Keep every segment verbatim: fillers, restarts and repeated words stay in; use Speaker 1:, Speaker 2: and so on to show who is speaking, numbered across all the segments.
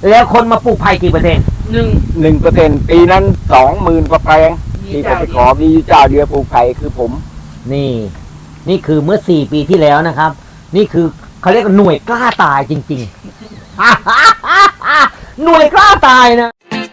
Speaker 1: แล้วคนมาปลูกไผ่กี่เปอร์เซ็นต์
Speaker 2: หนึ่ง
Speaker 3: หนึ่งเปอร์เซ็นต์ปีนั้นสองหมื่นกว่าแปลงที่ผมไปขอมีเจ้าเดียวปลูกไผ่คือผม
Speaker 1: นี่นี่คือเมื่อสี่ปีที่แล้วนะครับนี่คือเขาเรียกว่าหน่วยกล้าตายจริงๆหน่วยกล้าตายนะ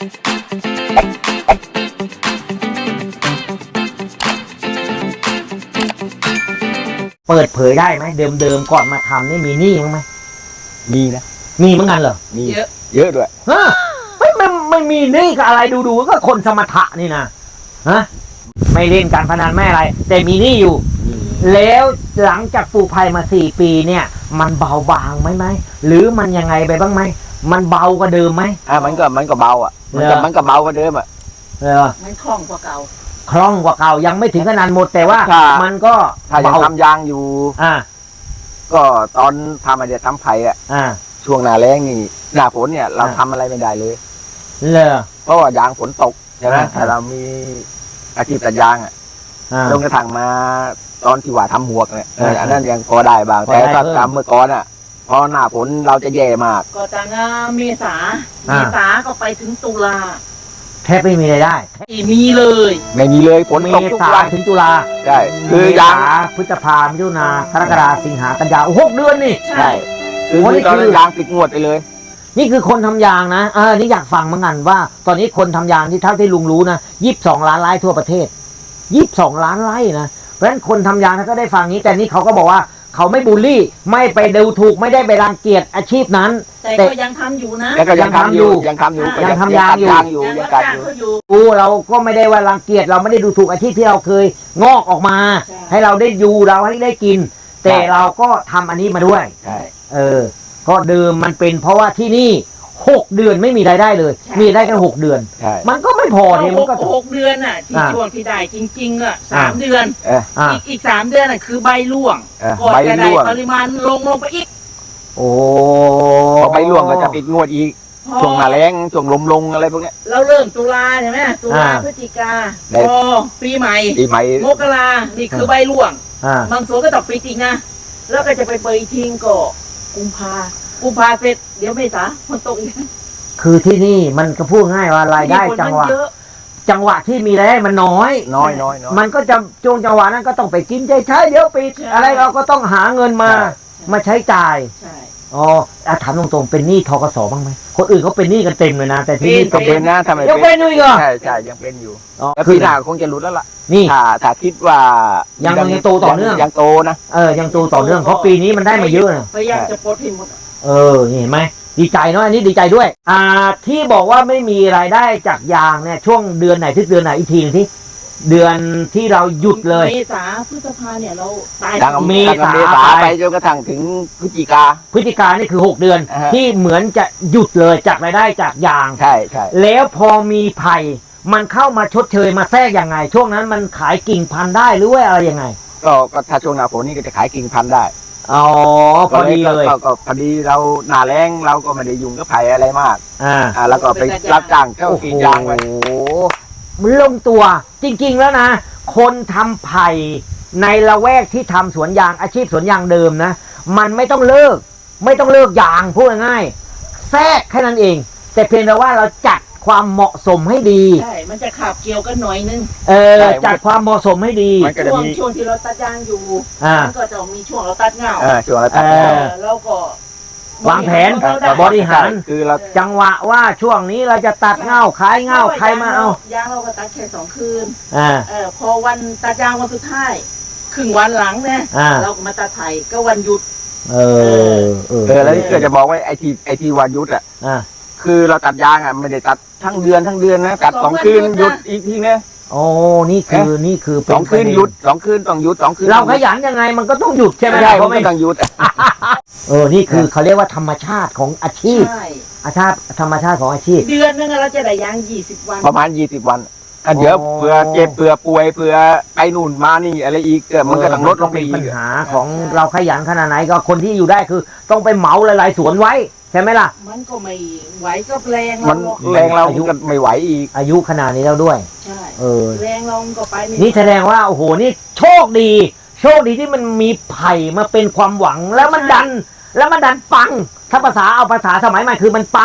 Speaker 1: เปิดเผยได้ไหมเดิมๆก่อนมาทำนี่มีหนี้มั้งไหม
Speaker 3: มีนะ
Speaker 1: มีเหมือนกันเหรอ
Speaker 3: มีเยอะเยอะด้วย
Speaker 1: ฮะไม่ไม่ไม่มีหนี้กับอะไรดูๆก็คนสมถะนี่นะฮะไม่เล่นการพนันไม่อะไรแต่มีหนี้อยู่แล้วหลังจากปลูกไผ่มาสี่ปีเนี่ยมันเบาบางไหมไหมหรือมันยังไงไปบ้างไหมมันเบากว่าเดิมไหม
Speaker 3: อ่ามันก็มันก็เบาอ่ะมันก็มันก็เบากว่าเดิมอ่ะ
Speaker 1: เออ
Speaker 2: มันคล่องกว่าเก่า
Speaker 1: คล่องกว่าเก่ายังไม่ถึงขนาดหมดแต่ว่ามันก็
Speaker 3: ถ้ายังทำยางอยู่
Speaker 1: อ่า
Speaker 3: ก็ตอนทำอะไรทำไผ่อ่ะ
Speaker 1: อ่า
Speaker 3: ช่วงหน้าแล้งนี่หน้าฝนเนี่ยเราทำอะไรไม่ได้เลย
Speaker 1: เลย
Speaker 3: เพราะว่ายางฝนตกใช่ไหมแต่เรามีอาชีพตัดยางอ่ะลงกระถางมาตอนที่ว่าทำหมวกเนี่ยอันนั้นยังพอได้บ้างแต่ถ้าทำเมื่อก่อนอ่ะพอหน้าฝนเราจะแย่มาก
Speaker 2: ก็ตั้งเมษาเมษาก็ไปถึงตุลา
Speaker 1: แทบไม่มีรายได้
Speaker 2: ไม่มีเลย
Speaker 3: ไม่มีเลยฝนตก
Speaker 1: ทุกวันถึงตุลา
Speaker 3: ใช่คือยาง
Speaker 1: พฤษภามิถุนากรกฎาสิงหากันยาหกเดือนนี่
Speaker 3: ใช่คือตอนยางติดงวดไปเลย
Speaker 1: นี่คือคนทำยางนะเออนี่อยากฟังเหมือนกันว่าตอนนี้คนทำยางที่เท่าที่ลุงรู้นะยี่สิบสองล้านไร่ทั่วประเทศยี่สิบสองล้านไร่นะเพราะฉะนั้นคนทำยางก็ได้ฟังนี้แต่นี่เขาก็บอกว่าเขาไม่บูลลี่ไม่ไปดูถูกไม่ได้ไปรังเกียจอาชีพนั้น
Speaker 2: แต่ก็ยังทำอยู่นะ
Speaker 3: ก็ยังทำอยู่ยังทำอยู่
Speaker 1: ยังทำยางอยู่
Speaker 2: ยังกัดอยู่
Speaker 1: กูเราก็ไม่ได้ว่ารังเกียจเราไม่ได้ดูถูกอาชีพที่เราเคยงอกออกมาให้เราได้อยู่เราให้ได้กินแต่เราก็ทำอันนี้มาด้วยเออก็เดิมมันเป็นเพราะว่าที่นี่หกเดือนไม่มีรายได้เลยมีได้แค่หกเดือนมันก็ไม่พอเนี่ยมันก็
Speaker 2: หกเดือนอ่ะที่ช่วงที่ได้จริงๆอ่ะสามเดือนอีกอีกสามเดือนอ่ะคือใบร่วงก่อนจะได้ปริมาณลงลงไปอีก
Speaker 1: โอ้
Speaker 3: ใบร่วงก็จะปิดงวดอีกช่วงหน้าแล้งช่วงลมลงอะไรพวกนี้
Speaker 2: เราเริ่มตุลาใช่ไหมตุลาพฤศจิกาพอปีใหม่
Speaker 3: ปีใหม่
Speaker 2: มกรานี่คือใบร่วงบางส่วนก็ต้องปิดอีกนะแล้วก็จะไปเปิดทิ้งก็กุมภากุมภาเสร็จเดี๋ยวเมษามันตกอีก
Speaker 1: คือที่นี่มันก็พูดง่ายว่ารายได้จังหวะจังหวะที่มีรายได้มันน้อย
Speaker 3: น้อยน้อย
Speaker 1: มันก็จะช่วงจังหวะนั้นก็ต้องไปกินใจใช้เดี๋ยวปิดอะไรเราก็ต้องหาเงินมามาใช้จ่ายอ๋อถามตรงๆเป็นหนี้ธกสบ้างไหมคนอื่นเขาเป็นหนี้กันเต็มเลยนะแต่ที่นี่
Speaker 3: ต้องเป็นนะทำไม
Speaker 1: ยังเป็นอยู่อีกเหรอ
Speaker 3: ใช่ใช่ยังเป็นอยู่แล้วปีหน้าคงจะหลุดแล้วล่ะ
Speaker 1: นี่
Speaker 3: ถ้าถ้าคิดว่า
Speaker 1: ยังยังโตต่อเนื่อง
Speaker 3: ยังโตนะ
Speaker 1: เออยังโตต่อเนื่องเพราะปีนี้มันได้มาเยอะนะ
Speaker 2: พยายามจะปลดให้หมด
Speaker 1: เออเห็นไหมดีใจเนาะอันนี้ดีใจด้วยอ่าที่บอกว่าไม่มีรายได้จากยางเนี่ยช่วงเดือนไหนที่เดือนไหนอีกทีนึงที่เดือนที่เราหยุดเลย
Speaker 2: เมษาพฤษภาเนี่ยเราตาย
Speaker 3: เมษาไปจนกระทั่งถึงพฤศจิกา
Speaker 1: พฤศจิกานี่คือหกเดือนที่เหมือนจะหยุดเลยจากรายได้จากยาง
Speaker 3: ใช่ใช่
Speaker 1: แล้วพอมีไผ่มันเข้ามาชดเชยมาแทรกยังไงช่วงนั้นมันขายกิ่งพันธุ์ได้หรือว่าอะไรยังไง
Speaker 3: ก็ก็ถ้าช่วงหน้าฝนนี่ก็จะขายกิ่งพันธุ์ได้
Speaker 1: อ๋อพอดีเลย
Speaker 3: ก็พอดีเราหน้าแล้งเราก็ไม่ได้ยุ่งกับไผ่อะไรมากอ่าอ่าแล้วก็ไปรับจ้างเข้ากรีดยางไป
Speaker 1: โอ้มันลงตัวจริงๆแล้วนะคนทำไผ่ในละแวกที่ทำสวนยางอาชีพสวนยางเดิมนะมันไม่ต้องเลิกไม่ต้องเลิกยางพูดง่ายๆแทรกแค่นั้นเองแต่เพียงแต่ว่าเราจัดความเหมาะสมให้ดี
Speaker 2: ใช่มันจะขับเกี่ยวกันหน่อยนึง
Speaker 1: เออจัดความเหมาะสมให้ดี
Speaker 2: ช่วงช่วงที่เราตัดยางอยู่มันก็จะมีช่วงเราตัดเงา
Speaker 3: เออช่วงเราตัดเงา
Speaker 2: แล้วก็
Speaker 1: วางแผนบริหารคือเราจังหวะว่าช่วงนี้เราจะตัดเงาขายเงาใครมาเอา
Speaker 2: ยางเราก็ตัดแค่สองคืนอ่าเออพอวันตัดยางวันสุดท้ายครึ่งวันหลังเนี่ยเราก็มาตัดไผ่ก็วันหยุด
Speaker 1: เออเออ
Speaker 3: เออแล้วเกิดจะบอกว่าไอทีไอทีวันหยุดอ่ะคือเราตัดยางอ่ะไม่ได้ตัดทั้งเดือนทั้งเดือนนะตัดสองคืนหยุดอีกทีเนี่ย
Speaker 1: โอ้นี่คือนี่คือ
Speaker 3: สองคืนหยุดสองคืนต้องหยุดสองคืน
Speaker 1: เราขยันยังไงมันก็ต้องหยุดใช่ไหม
Speaker 3: ใช่เพราะไม่ต้องหยุด
Speaker 1: เออนี่คือเขาเรียกว่าธรรมชาติของอาชีพอาชาติธรรมชาติของอาชีพ
Speaker 2: เดือนนึงเราจะได้ยางยี่สิบวัน
Speaker 3: ประมาณยี่สิบวันอันเดี๋ยวเผื่อเจ็บเผื่อป่วยเผื่อไปนู่นมานี่อะไรอีกเกิดมันก็ต้องลดลงไปอีก
Speaker 1: ปัญหาของเราขยันขนาดไหนก็คนที่อยู่ได้คือต้องไปเหมาหลายๆสวนไว้ใช่ไหมล่ะ
Speaker 2: มันก็ไม่ไหวก็แรง
Speaker 3: มันแรงเราอายุไม่ไหวอีก
Speaker 1: อายุขนาดนี้แล้วด้วย
Speaker 2: ใช่เออแรงลงก็ไป
Speaker 1: นี่แสดงว่าโอ้โหนี่โชคดีโชคดีที่มันมีไผ่มาเป็นความหวังแล้วมันดันแล้วมันดันปังถ้าภาษาเอาภาษาสมัยใหม่คือมันปัง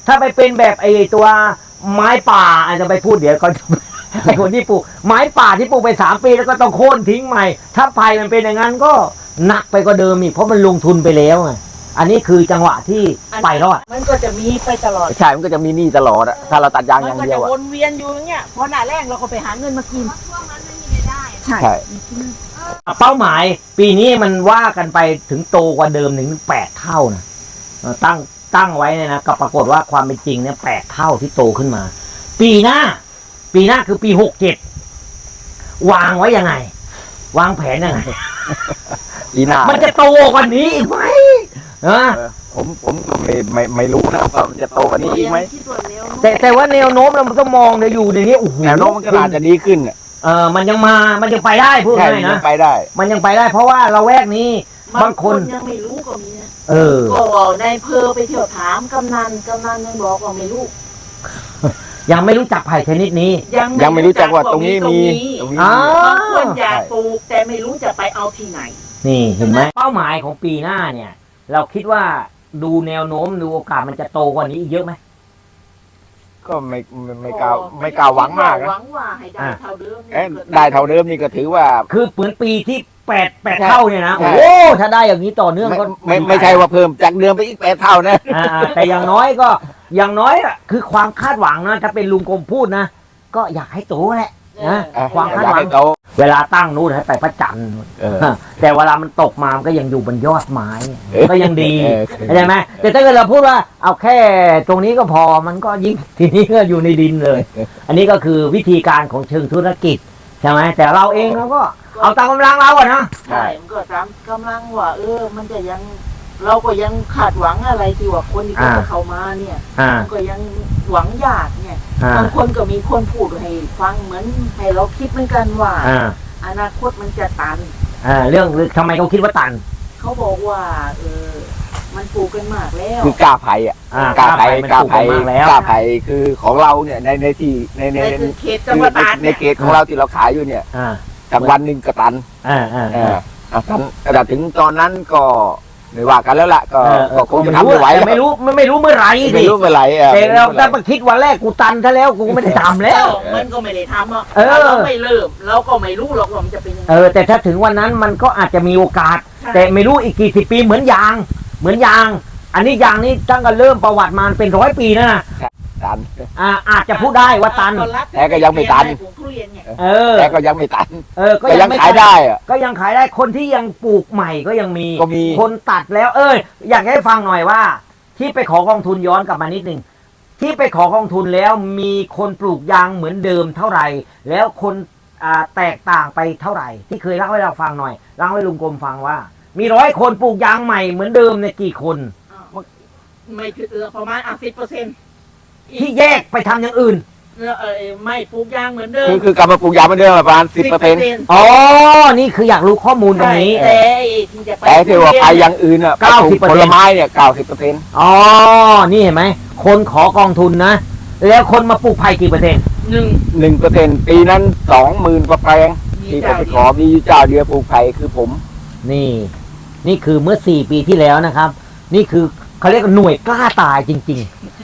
Speaker 1: ถ้าไปเป็นแบบไอ้ตัวไม้ป่าอาจจะไปพูดเดี๋ยวเขา ไอ้คนที่ปลูกไม้ป่าที่ปลูกไปสามปีแล้วก็ต้องโค่นทิ้งใหม่ ถ้าไผ่มันเป็นอย่างนั้นก็หนักไปกว่าเดิมอีกเพราะมันลงทุนไปแล้วไงอันนี้คือจังหวะที่ไปรอด
Speaker 2: มันก็จะมีไปตลอด
Speaker 3: ใช่มันก็จะมีหนี้ตลอดอะถ้าเราตัดยางอย่างเดียว
Speaker 2: มันก็
Speaker 3: อะ
Speaker 2: จะวนเวียนอยู่อย่างเงี้ยพอหน้าแรกเราก็ไปหาเงินมากิน
Speaker 4: ช่วงนั้นไม่มีรายได้
Speaker 2: ใช่
Speaker 3: ใช่
Speaker 1: เป้าหมายปีนี้มันว่ากันไปถึงโตกว่าเดิมถึงแปดเท่านะเออตั้งตั้งไว้เนี่ยนะก็ปรากฏว่าความเป็นจริงเนี่ยแปดเท่าที่โตขึ้นมา ปีหน้า ปีหน้าคือปีหกเจ็ดวางไว้ยังไง วางแผนยังไง
Speaker 3: ปีหน้า
Speaker 1: มันจะโตกว่านี้อีกไหมเออ
Speaker 3: เออผมผมก็ไม่ไม่ไม่รู้นะว่ามันจะโตกว่านี้อีกไหม
Speaker 4: ที่ตัวเร็ว
Speaker 1: แต่แต่ว่าแนวโน้มเรามันก็มองเดี๋ยวอยู่ในนี้โอ้โห
Speaker 3: แนวโน้มมันก็อาจจะดีขึ้นอะ
Speaker 1: เออมันยังมามันยังไปได้พูด
Speaker 3: ใช่
Speaker 1: ง่าย
Speaker 3: มั
Speaker 1: นะ
Speaker 3: นไปได้
Speaker 1: มันยังไปได้ เพราะว่าเราแวกนี้ บางคน
Speaker 2: ยังไม่รู้ก็มีนะ
Speaker 1: เออ
Speaker 2: ก็ในายเพอไปเที่ยวถามกำนันกำนันยังบอกว่าไม่รู้
Speaker 1: ยังไม่รู้จักไผ่ชนิดนี้
Speaker 3: ยังไม่รู้จักว่าตรงนี้มีตรงนี้
Speaker 1: อ๋อ
Speaker 3: มี
Speaker 2: บางคนอยากปลูกแต่ไม่รู้จะไปเอาที่ไหน
Speaker 1: นี่เห็นไหมเป้าหมายของปีหน้าเนี่ย เราคิดว่าดูแนวโน้มดูโอกาสมันจะโตกว่านี้อีกเยอะไหม
Speaker 3: ก็ไม่ไม่ไม่กล้าไม่กล้าหวังมาก
Speaker 2: ห
Speaker 3: นะ
Speaker 2: วังว่าให้ได้เท่าเดิม
Speaker 3: เอ๊ะได้เท่าเดิมนี่ก็ถือว่า
Speaker 1: คือเหมือนปีที่แปดแปด
Speaker 3: ใช่
Speaker 1: เท่าเนี่ยนะ
Speaker 3: ใช่
Speaker 1: โอ้ถ้าได้อย่างนี้ต่อเนื่อง
Speaker 3: ไม่
Speaker 1: ก็
Speaker 3: ไม่ไม่ใช่ว่าเพิ่มจากเดิมไปอีกแปดเท่านะ
Speaker 1: อ่าแต่อย่างน้อยก็อย่างน้อยอะคือความคาดหวังนะถ้าเป็นลุงกรมพูดนะก็อยากให้โตแหละ นะ
Speaker 3: อ่ะ
Speaker 1: ความคาด
Speaker 3: อยาก
Speaker 1: หวัง
Speaker 3: ให้โต
Speaker 1: เวลาตั้งนู่นให้ไปพระจันทร์นู่น
Speaker 3: เออ
Speaker 1: แต่เวลามันตกมามันก็ยังอยู่บนยอดไม้
Speaker 3: เออ
Speaker 1: ก็ยังดี
Speaker 3: เออ
Speaker 1: เข้าใจไหมแต่ถ้าเกิดเราพูดว่าเอาแค่ตรงนี้ก็พอมันก็ยิ่ง ทีนี้ก็อยู่ในดินเลย อันนี้ก็คือวิธีการของเชิงธุรกิจใช่ไหมแต่เราเองเราก็เอาตามกำลังเราอะนะ
Speaker 2: ใช่มันก็ตามกำลังว่า เออ มันจะยัง เราก็ยังขาดหวังอะไรที่ว่าคนที่เขาจะเข้ามาเนี่ย
Speaker 1: อ่า
Speaker 2: มันก็ยังหวังยากเนี่ย
Speaker 1: อ่า
Speaker 2: บางคนก็มีคนพูดให้ฟังเหมือนให้เราคิดเหมือนกันว่า
Speaker 1: อ่า
Speaker 2: อนาคตมันจะตัน
Speaker 1: อ่าเรื่องทำไมเขาคิดว่าตัน
Speaker 2: เขาบอกว่า เออ มันปลูกกันมากแล้ว
Speaker 3: คือกล้าไผ่อะ
Speaker 1: อ่าก
Speaker 3: ล้าไผ่
Speaker 1: มัน
Speaker 3: กล้า
Speaker 1: ถูก
Speaker 3: ไผ่
Speaker 1: มากแล้ว
Speaker 3: กล้าไผ่คือของเราเนี่ยในในที่ในใน
Speaker 2: ใน
Speaker 3: ใน
Speaker 2: คือเขต
Speaker 3: คื
Speaker 2: จัง
Speaker 3: อ
Speaker 2: หวัด
Speaker 3: ใน
Speaker 2: ตราด
Speaker 3: ใน
Speaker 2: เนี่ย
Speaker 3: เขตของเราที่เราขายอยู่เนี่ย
Speaker 1: อ่า
Speaker 3: จากวันหนึ่งกระตัน
Speaker 1: อ่าอ่า
Speaker 3: เอ
Speaker 1: อ่า
Speaker 3: ออ่ะตันแต่ถึงตอนนั้นก็ไม่ว่ากันแล้วล่ะก็
Speaker 1: เออเอ
Speaker 3: ก็
Speaker 1: อ
Speaker 3: คงจะทำไม่ไหว
Speaker 1: แต่ไม่รู้ไม่ไม่รู้เมื่อไหร่
Speaker 3: ไม่
Speaker 1: ดิ
Speaker 3: รู้เมื่อไหร่อ่ะ
Speaker 1: แต่เรา
Speaker 3: ไม่
Speaker 1: ถ้า
Speaker 3: รู้
Speaker 1: มาคิดวันแรกกูตันซะแล้วกูไม่ได้ทำแล้ว
Speaker 2: มันก็ไม่ได้ทำอ่ะ
Speaker 1: เออ
Speaker 2: ถ้าเราไม่เริ่มเราก็ไม่รู้หรอกว่ามันจะเป็นยังไง
Speaker 1: เออแต่ถ้าถึงวันนั้นมันก็อาจจะมีโอกาส แต่ไม่รู้อีกกี่สิบปีเหมือนยาง เหมือนยาง อันนี้ยางนี่ตั้งแต่เริ่มประวัติมาเป็นร้อยปีแล้วนะ
Speaker 3: ตัน
Speaker 1: อ่าอาจจะพูดได้ว่าตัน
Speaker 3: แต่ก็ยังไม่ตัน
Speaker 2: ปลูกทุเรียนเนี่ย
Speaker 1: เออ
Speaker 3: แต่ก็ยังไม่ตัน
Speaker 1: เออ ก็
Speaker 3: ก็
Speaker 1: ยั
Speaker 3: ยัง ง
Speaker 1: ไม่
Speaker 3: ขายได้อ่ะ
Speaker 1: ก็ยังขายได้คนที่ยังปลูกใหม่ก็ยังมี
Speaker 3: ก็มี
Speaker 1: คนตัดแล้ว เอยอยากให้ฟังหน่อยว่า ที่ไปขอกองทุนย้อนกลับมานิดนึงที่ไปขอกองทุนแล้วมีคนปลูกยางเหมือนเดิมเท่าไหร่ แล้วคนอ่าแตกต่างไปเท่าไหร่ ที่เคยเล่าให้เราฟังหน่อยเล่าให้ลุงกรมฟังว่า มีร้อยคนปลูกยางใหม่เหมือนเดิมเนี่ยกี่คน
Speaker 2: ไม่ถึงเออประมาณอ่ะสิบเปอร์เซ็นต์
Speaker 1: ที่แยกไปทำอย่างอื่น
Speaker 2: เออไม่ปลูกยางเหมือนเดิม
Speaker 3: คือคือกลับมาปลูกยางเหมือนเดิมประมาณสิบเปอร์เซ็นต์
Speaker 1: อ๋อ นี่คืออยากรู้ข้อมูลตรงนี้
Speaker 2: ใช่แต่ที่จะไป
Speaker 3: แต่ที่ว่าไปอย่างอื่นอ่ะ
Speaker 1: เก้าสิบเปอร์
Speaker 3: ผ
Speaker 1: เซ็นต์
Speaker 3: ลไม้เนี่ยเก้าสิบเปอร์เซ็นต์
Speaker 1: อ๋อ นี่เห็นไหม คนขอกองทุนนะ แล้วคนมาปลูกไผ่กี่เปอร์เซ็นต์
Speaker 2: หนึ่ง
Speaker 3: หนึ่งเปอร์เซ็นต์ปีนั้นสองหมื่นกว่าแปลง
Speaker 2: มี
Speaker 3: ที่ผม
Speaker 2: เจ้า
Speaker 3: ไป
Speaker 2: เดี
Speaker 3: ข
Speaker 2: ย
Speaker 3: อ
Speaker 2: ว
Speaker 3: มีเจ้าเดียวปลูกไผ่คือผม
Speaker 1: นี่ นี่คือเมื่อสี่ปีที่แล้วนะครับ นี่คือเขาเรียกว่าหน่วยกล้าตายจริง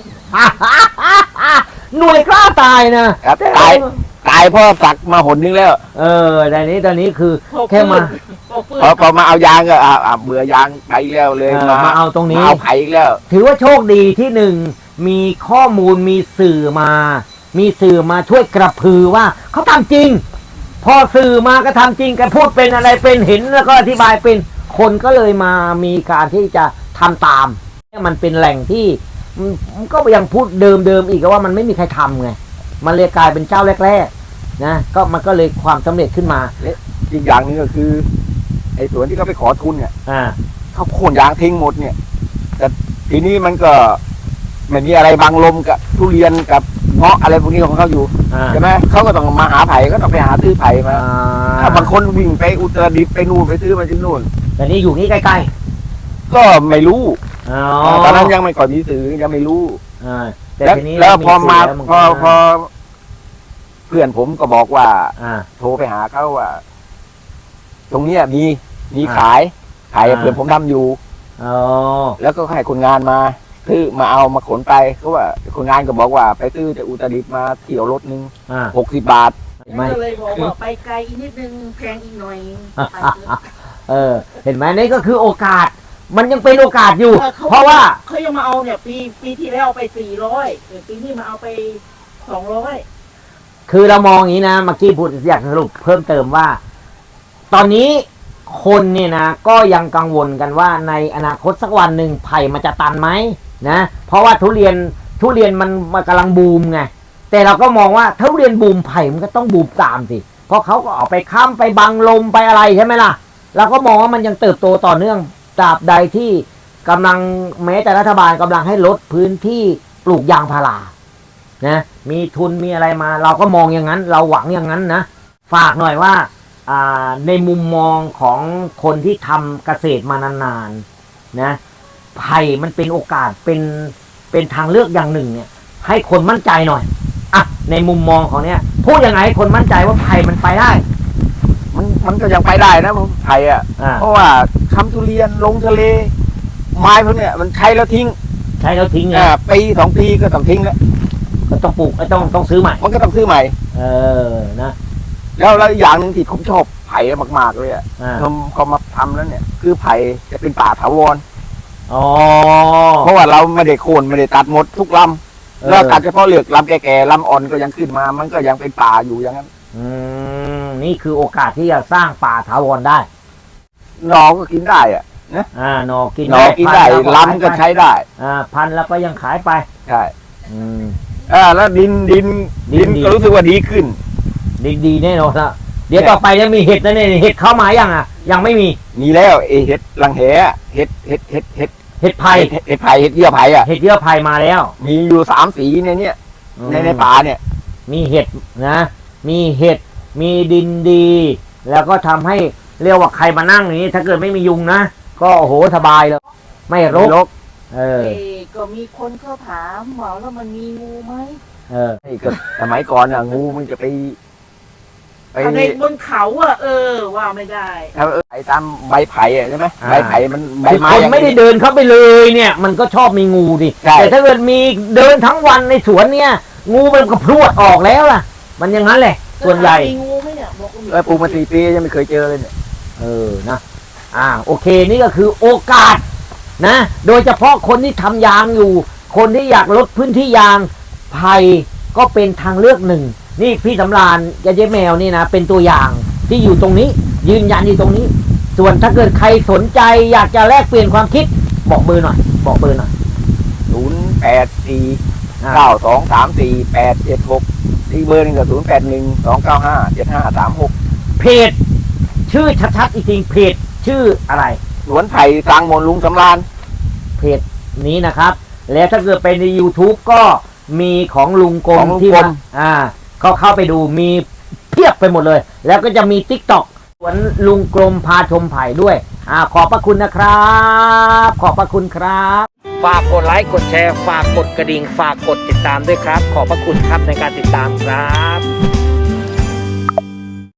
Speaker 1: ๆ หน่วยกล้าตายนะครับ
Speaker 3: ตายตายเพราะสักมาหนนึงแล้ว
Speaker 1: เออแต่นี้ตอนนี้คือ
Speaker 2: พอ
Speaker 1: แค่มา
Speaker 2: พอฟื้น
Speaker 3: พอพอมาเอายางก็อ่าอ่าเบื่อยางไปอีกแล้วเลย
Speaker 1: เออมาเอาตรงนี้
Speaker 3: มาเอาไผ่อีกแล้ว
Speaker 1: ถือว่าโชคดีที่หนึ่งมีข้อมูลมีสื่อมา มีสื่อมาช่วยกระพือว่าเขาทำจริง พอสื่อมาก็ทำจริงกันพูดเป็นอะไรเป็นเห็นแล้วก็อธิบายเป็นคนก็เลยมามีการที่จะทำตามมันเป็นแหล่งที่มันก็ยังพูดเดิมๆอีกว่ามันไม่มีใครทำไงมันเลยกลายเป็นเจ้าแรกๆนะก็มันก็เลยความสำเร็จขึ้นมา
Speaker 3: อีกอย่างหนึงก็คือไอ้สวนที่เขาไปขอทุนเนี่ย
Speaker 1: อ่า
Speaker 3: เขาโค่นยางทิ้งหมดเนี่ย แต่ทีนี้มันก็ไม่มีอะไรบังลมกับทุเรียนกับเงาะอะไรพวกนี้ของเขาอยู่
Speaker 1: อ่า
Speaker 3: ใช่ไหมเขาก็ต้องมาหาไผ่ก็ต้องไปหาซื้อไผ่มา
Speaker 1: อ่า
Speaker 3: ถ้าบางคนวิ่งไปอุตรดิตถ์ไปนู่นไปซื้อมาที่นู่น
Speaker 1: แต่นี่อยู่นี่ใกล้
Speaker 3: ก็ไม่รู้
Speaker 1: ๆอ๋อ
Speaker 3: ตอนนั้นยังไม่ก่อนมีสื่อยังไม่รู้
Speaker 1: อ่าแต่
Speaker 3: แล้ว
Speaker 1: ทีนี้
Speaker 3: แล้วพอมา
Speaker 1: สื่แล้วน
Speaker 3: พอ
Speaker 1: ก็
Speaker 3: พอเพื่อนผมก็บอกว่า
Speaker 1: อ่า
Speaker 3: โทรไปหาเขาว่า ตรงเนี้ยมีมี
Speaker 1: อ่า
Speaker 3: ขายขาย
Speaker 1: อ่า
Speaker 3: เพื่อนผมทำอยู่
Speaker 1: อ๋อ
Speaker 3: แล้วก็ให้คนงานมาซื้อมาเอามาขนไปเขาว่าคนงานก็บอกว่าไปซื้อจากอุตรดิตถ์มาเที่ยวรถนึง
Speaker 1: อ่า
Speaker 3: หกสิบบาท
Speaker 1: ไม่
Speaker 2: ก็เลยบอกว่าไปไกลอีกนิดนึงแพงอีกหน่อย
Speaker 1: เออ เห็นไหมนี่ก็คือโอกาส มันยังเป็นโอกาสอยู่
Speaker 2: ออข
Speaker 1: เพราะว่า
Speaker 2: เขายังมาเอาเนี่ย ปีปีที่แล้วเอาไปสี่ร้อยปีนี้มาเอาไปสองร้อย
Speaker 1: คือเรามองอย่างนี้นะเมื่อกี้พูดอยากสรุปเพิ่มเติมว่า ตอนนี้คนเนี่ยนะก็ยังกังวลกันว่าในอนาคตสักวันหนึ่งไผ่มันจะตันไหมนะเพราะว่าทุเรียนทุเรียนมันมันกำลังบูมไงแต่เราก็มองว่าทุเรียนบูมไผ่มันก็ต้องบูมตามสิเพราะเขาก็ออกไปค้ำไปบังลมไปอะไรใช่ไหมล่ะเราก็มองว่ามันยังเติบโตต่อเนื่องตราบใดที่กำลังแม้แต่รัฐบาลกำลังให้ลดพื้นที่ปลูกยางพารานะมีทุนมีอะไรมา เราก็มองอย่างนั้น เราหวังอย่างนั้นนะฝากหน่อยว่าในมุมมองของคนที่ทำเกษตรมานานๆนะไผ่มันเป็นโอกาสเป็นเป็นทางเลือกอย่างหนึ่งเนี่ยให้คนมั่นใจหน่อยอ่ะในมุมมองของเนี้ยพูดยังไงให้คนมั่นใจว่าไผ่มันไปได้
Speaker 3: มันมันก็ยังไปได้นะผมไผ่อะ
Speaker 1: อ่า
Speaker 3: เพราะว่าทำทุเรียนลงทะเล ไม้พวกเนี้ยมันใช้แล้วทิ้ง
Speaker 1: ใช้แล้วทิ้งไง
Speaker 3: อ่าปีสองปีก็ต้องทิ้งแล้ว
Speaker 1: ก็ต้องปลูกต้องต้องซื้อใหม่
Speaker 3: มันก็ต้องซื้อใหม่
Speaker 1: เออนะ
Speaker 3: แล้วแล้วอย่างหนึ่งที่ผมชอบไผ่มากๆเลยอ่ะ
Speaker 1: อ่า
Speaker 3: ทำเขามาทำแล้วเนี่ย คือไผ่จะเป็นป่าถาวร
Speaker 1: อ๋อ
Speaker 3: เพราะว่าเราไม่ได้โค่นไม่ได้ตัดหมดทุกล
Speaker 1: เอ
Speaker 3: ำ
Speaker 1: อ
Speaker 3: แล้วตัดเฉพาะเหลือกลำแก่ๆลำอ่อนก็ยังขึ้นมา มันก็ยังเป็นป่าอยู่อย่างนั้น
Speaker 1: อืมนี่คือโอกาสที่จะสร้างป่าถาวรได้
Speaker 3: หนอก็กินได้อ่ะ
Speaker 1: อ่าหนอกิน
Speaker 3: หนอกินได้
Speaker 1: พัแล้ว
Speaker 3: ลำก็ใช้ได้
Speaker 1: อ่าพันแล้วก็ยังขายไป
Speaker 3: ใช่
Speaker 1: อืม
Speaker 3: อ่าแล้วดินดิน
Speaker 1: ดิ
Speaker 3: ดิ
Speaker 1: น
Speaker 3: น
Speaker 1: ดี
Speaker 3: ก็รู้สึกว่าดีขึ้น
Speaker 1: ดีดีแน่นอนละเดี๋ยวต่อไปจะมีเห็ดนะเนี่ยเห็ดเข้ามายังอ่ะ ยังไม่มี
Speaker 3: มีแล้วไอเห็ดลังแหอะเห็ดเห็ดเห็ดเห็ด
Speaker 1: เห็ดไผ่
Speaker 3: เห็ดเห็ดไผ่เห็ดเยื่อไผ่อ่ะ
Speaker 1: เห็ดเยื่อไผ่มาแล้ว
Speaker 3: มีอยู่สามสีในเนี้ย
Speaker 1: อืม
Speaker 3: ในในป่าเนี่ย
Speaker 1: มีเห็ดนะ มีเห็ดมีดินดี แล้วก็ทำให้เรียกว่าใครมานั่งอย่างนี้ ถ้าเกิดไม่มียุงนะก็โอ้โหสบายเลยไม่รก
Speaker 3: รก
Speaker 1: เออ
Speaker 2: เอ้ก็มีคนเขาถามว่าแล้วมันมีงูไหม
Speaker 1: เออ
Speaker 3: นี่ก็สมัยก่อนอ่ะงูมันจะไปไป
Speaker 2: เอาในบนเขาอะเออว่าไม่ได้
Speaker 3: เอาเออไปตามใบไผ่อะใช่ไหม
Speaker 1: อ่า
Speaker 3: ใบไผ่มันใบ
Speaker 1: คือ
Speaker 3: ไม้
Speaker 1: คน
Speaker 3: อย่าง
Speaker 1: ไม่ได้
Speaker 3: นี้
Speaker 1: เดินเข้าไปเลยเนี่ย มันก็ชอบมีงูดิ
Speaker 3: ใช่
Speaker 1: แต่ถ้าเกิดมีเดินทั้งวันในสวนเนี่ย งูมันก็พรวดออกแล้วล่ะ มันอย่างนั้นแหละ ส่วนใหญ่
Speaker 2: มีงูไหมเนี่ยบอกว่ามี
Speaker 3: เออปลูกมาสี่ปียังไม่เคยเจอเลยเนี่ย
Speaker 1: เออนะอ่าโอเคนี่ก็คือโอกาสนะ โดยเฉพาะคนที่ทำยางอยู่ คนที่อยากลดพื้นที่ยางไผ่ก็เป็นทางเลือกหนึ่ง นี่พี่สำราญยาเจ๊แมวนี่นะเป็นตัวอย่างที่อยู่ตรงนี้ ยืนยันอยู่ตรงนี้ ส่วนถ้าเกิดใครสนใจอยากจะแลกเปลี่ยนความคิดบอกเบอร์หน่อย บอกเบอร์หน่อย
Speaker 3: ศูนย์แปดสี่
Speaker 1: อ่า
Speaker 3: เก้าสองสามสี่แปดเจ็ดหกอีกเบอร์หนึงก็ศูนย์แปดหนึ่งสองเก้าห้าเจ็ดห้าสามหก
Speaker 1: เพจชื่อชัดๆอีกทีเพจชื่ออะไร
Speaker 3: สวนไผ่สร้างมนต์ลุงสำราญ
Speaker 1: เพจนี้นะครับ แล้วถ้าเกิดไปใน YouTube ก็มีของลุงกร
Speaker 3: ขอ
Speaker 1: ม
Speaker 3: งลุง
Speaker 1: ที่
Speaker 3: กร
Speaker 1: ว่าม อ่าเขาเข้าไปดูมีเพียบไปหมดเลย แล้วก็จะมี TikTok สวนลุงกรมพาชมไผ่ด้วยอ่าขอบพระคุณนะครับ ขอบพระคุณครับ ฝากกดไลค์กดแชร์ฝากกดกระดิ่งฝากกดติดตามด้วยครับ ขอบพระคุณครับในการติดตามครับ